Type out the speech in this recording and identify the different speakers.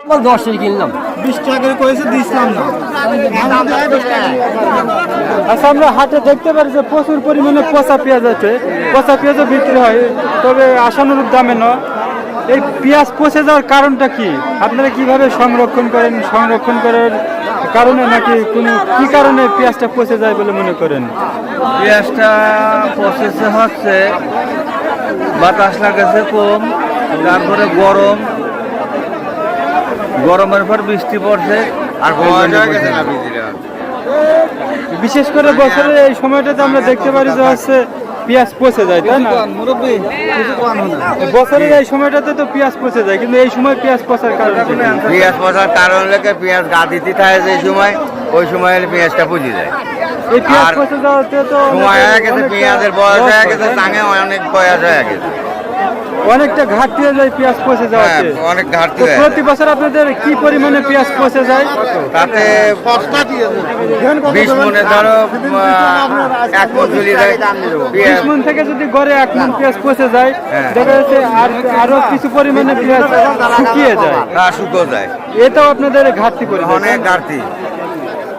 Speaker 1: 10 কিনলাম
Speaker 2: 20 টাকা করে করেছে দিছিলাম না।
Speaker 3: আচ্ছা, আমরা হাটে দেখতে পারি যে প্রচুর পরিমাণে পচা পেঁয়াজ আছে, পচা পেঁয়াজও বিক্রি হয়, তবে আশানুরূপ দামে নয়। এই পেঁয়াজ পচে যাওয়ার কারণটা কি? আপনারা কিভাবে সংরক্ষণ করেন? সংরক্ষণ করার কারণে নাকি কোনো কি কারণে পেঁয়াজটা পচে যায় বলে মনে করেন?
Speaker 4: পেঁয়াজটা প্রসেসে হচ্ছে বাতাস লাগাছে কম, তারপরে গরমের পর বৃষ্টি পড়ছে আর
Speaker 3: বিশেষ করে বছরের এই সময়টাতে আমরা দেখতে পারি যে হচ্ছে পেঁয়াজ পচে যায়, তাই না? বছরের এই সময়টাতে তো পেঁয়াজ পচে যায়, কিন্তু এই সময় পেঁয়াজ পচার কারণ কি?
Speaker 4: পেঁয়াজ পচার কারণ লেগে পেঁয়াজ গা দিতে থাকে যে সময়, ওই সময় পেঁয়াজটা পুজি যায়।
Speaker 3: এই পেঁয়াজ পচে যাওয়াতে তো
Speaker 4: সময় হয়ে গেছে, পেঁয়াজের বয়স হয়ে গেছে, টাঙে অনেক বয়স হয়ে গেছে,
Speaker 3: অনেকটা ঘাটতি হয়ে যায় পেঁয়াজ পচে যাওয়াতে।
Speaker 4: অনেক ঘাটতি
Speaker 3: তো
Speaker 4: হয়।
Speaker 3: প্রতি বছর আপনাদের কি পরিমাণে পেঁয়াজ পচে যায়?
Speaker 4: তাতে 20 মনে ধরো 1 মন চলে যায়
Speaker 3: 20 মন থেকে যদি গড়ে 1 মন পেঁয়াজ পচে যায়, দেখা যাচ্ছে আরো কিছু পরিমাণে পেঁয়াজ শুকিয়ে যায়,
Speaker 4: শুকো যায়,
Speaker 3: এটাও আপনাদের ঘাটতি পড়ে যায়।
Speaker 4: অনেক ঘাটতি।